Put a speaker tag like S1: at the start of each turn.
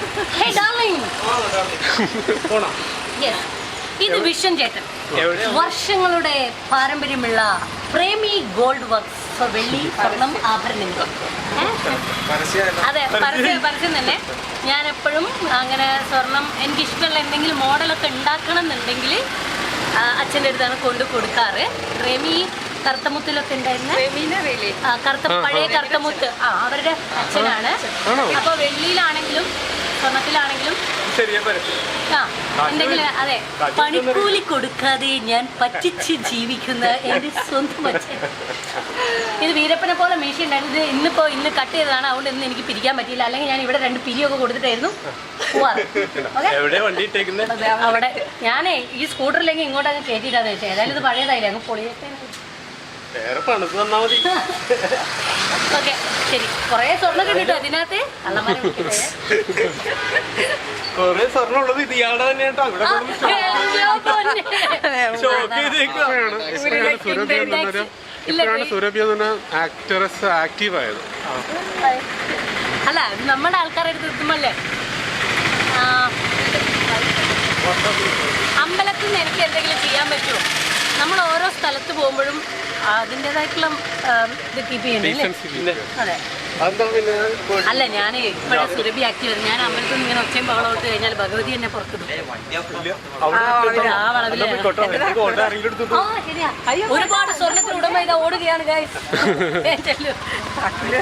S1: Hey darling. Yes. ഇത് vision ചേട്ടൻ വർഷങ്ങളുടെ പാരമ്പര്യമുള്ള പ്രേമി ഗോൾഡ് വർക്ക്സ് വെള്ളി സ്വർണം ആഭരണങ്ങൾ. അതെ, പരസ്യം തന്നെ. ഞാൻ എപ്പോഴും അങ്ങനെ സ്വർണം എനിക്കിഷ്ടമുള്ള എന്തെങ്കിലും മോഡലൊക്കെ ഉണ്ടാക്കണം എന്നുണ്ടെങ്കിൽ അച്ഛൻ്റെ അടുത്താണ് കൊണ്ടു കൊടുക്കാറ്. പ്രേമി കറുത്തമുത്തിലൊക്കെ ഉണ്ടായിരുന്ന പഴയ കറുത്തമുത്ത് അവരുടെ അച്ഛനാണ്. അപ്പോൾ വെള്ളിയിലാണെങ്കിലും സ്വർണത്തിലാണെങ്കിലും എന്തെങ്കിലും അതെ പണിക്കൂലി കൊടുക്കാതെ ഞാൻ പറ്റിച്ച് ജീവിക്കുന്ന എൻ്റെ സ്വന്തം അച്ഛൻ. ഇത് വീരപ്പനെ പോലെ മീശ ഉണ്ടായിരുന്നു. ഇന്ന് കട്ട് ചെയ്തതാണ്, അതുകൊണ്ട് ഇന്ന് എനിക്ക് പിരിക്കാൻ പറ്റിയില്ല. അല്ലെങ്കിൽ ഞാൻ ഇവിടെ 2 പിരിയൊക്കെ കൊടുത്തിട്ടായിരുന്നു പോവാറ്. അവിടെ ഞാനേ ഈ സ്കൂട്ടറിലേക്ക് ഇങ്ങോട്ടങ്ങ് കയറ്റിയിട്ടാന്ന് വെച്ചാൽ ഏതായാലും ഇത് പഴയതായില്ലേ, അങ്ങ് പൊളിയൊക്കെ. ഓക്കെ ശരി. കൊറേ സ്വർണ്ണം കിട്ടോ അതിനകത്ത്?
S2: കൊറേ സ്വർണ്ണം ഉള്ളത് ഇത് ഇയാളുടെ തന്നെയാട്ടോ.
S3: ഇപ്പോഴാണ് സുരഭി എന്ന ആക്ടറസ് ആക്റ്റീവ് ആയത്.
S1: അല്ല നമ്മുടെ ആൾക്കാരുടെ അടുത്ത് എത്തുമല്ലേ. അമ്പലത്തിൽ നിന്ന് എനിക്ക് എന്തെങ്കിലും ചെയ്യാൻ പറ്റുമോ? നമ്മൾ ഓരോ സ്ഥലത്ത് പോകുമ്പോഴും അതിൻ്റെതായിട്ടുള്ള ഇത് കീപ്പ് ചെയ്യുന്നില്ലേ? അതെ. അല്ല ഞാൻ ഇപ്പോഴേ സുരഭി ആക്റ്റീവ്. ഞാൻ അമ്പലത്തിൽ നിന്ന് ഇങ്ങനെ ഒച്ചയും ബഹളം ഇട്ട് കഴിഞ്ഞാൽ ഭഗവതി എന്നെ പുറത്തിടും. ആ വളവില് ശരിയാ. ഒരുപാട് സ്വർണ്ണത്തിന് ഉടമ ഇതാ ഓടുകയാണ് ഗൈസ്.